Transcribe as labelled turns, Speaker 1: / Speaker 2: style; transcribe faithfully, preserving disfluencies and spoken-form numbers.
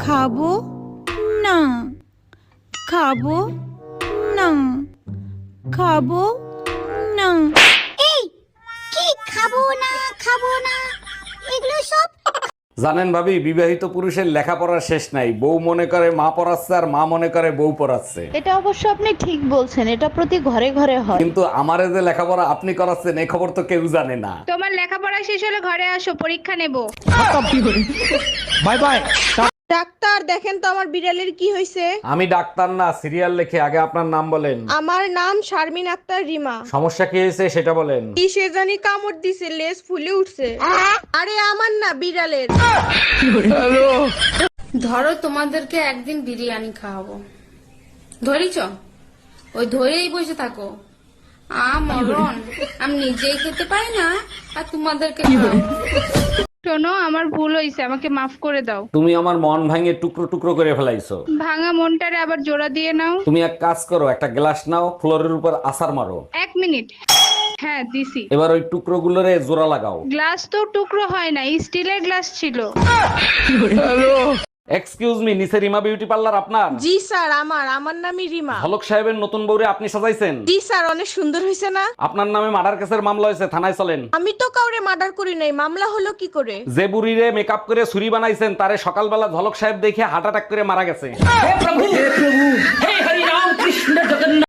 Speaker 1: খাবো না খাবো না খাবো না।
Speaker 2: এই কি খাবো না খাবো না এগুলো সব
Speaker 3: জানেন ভাবি, বিবাহিত পুরুষের লেখাপড়ার শেষ নাই। বউ মনে করে মা পড়াচ্ছে আর মা মনে করে বউ পড়াচ্ছে।
Speaker 4: এটা অবশ্য আপনি ঠিক বলছেন, এটা প্রতি ঘরে ঘরে হয়।
Speaker 3: কিন্তু আমারে যে লেখাপড়া আপনি করাচ্ছেন এই খবর তো কেউ জানে না।
Speaker 5: তোমার লেখাপড়া শেষ হলে ঘরে আসো, পরীক্ষা নেব।
Speaker 3: Bye bye.
Speaker 6: ডাক্তার দেখেন তো আমার বিড়ালের কি হয়েছে।
Speaker 3: আমি ডাক্তার না, সিরিয়াল লিখে। আগে আপনার নাম বলেন।
Speaker 6: আমার নাম শারমিন আক্তার রিমা।
Speaker 3: সমস্যা কি হয়েছে সেটা বলেন।
Speaker 6: কি সে জানি কামড় দিছে, লেজ ফুলে উঠছে। আরে আমার না, বিড়ালের।
Speaker 7: ধরো তোমাদেরকে একদিন বিরিয়ানি খাওয়াবো, ধরিছ? ওই ধরেই বসে থাকো। আ মরণ, আমি নিজেই খেতে পাই না আর তোমাদেরকে খাওয়াবো।
Speaker 5: শোনো, আমার ভুল হয়েছে, আমাকে মাফ করে দাও।
Speaker 3: তুমি আমার মন ভাঙে টুকরো টুকরো করে ফেলাইছো।
Speaker 5: ভাঙা মনটারে আবার জোড়া দিয়ে নাও।
Speaker 3: তুমি এক কাজ করো, একটা গ্লাস নাও, ফ্লোরের উপর আছাড় মারো।
Speaker 5: এক মিনিট। হ্যাঁ দিছি।
Speaker 3: এবার ওই টুকরো গুলোরে জোড়া লাগাও।
Speaker 5: গ্লাস তো টুকরো হয় না, স্টিলের গ্লাস ছিল।
Speaker 3: এক্সকিউজ মি, নিচে রিমা বিউটি পার্লার আপনার?
Speaker 6: জি স্যার, আমার আমার নামই রিমা।
Speaker 3: হলক সাহেবের নতুন বউরে আপনি সাজাইছেন?
Speaker 6: জি স্যার, অনেক সুন্দর হয়েছে না?
Speaker 3: আপনার নামে মার্ডার কেসের মামলা হয়েছে, থানায় চলেন।
Speaker 6: আমি তো কাউরে মার্ডার করি নাই, মামলা হলো কি করে?
Speaker 3: যে বুড়িরে মেকআপ করে ছুরি বানাইছেন তারে সকালবেলা ঝলক সাহেব দেখে হার্ট অ্যাটাক করে মারা গেছে।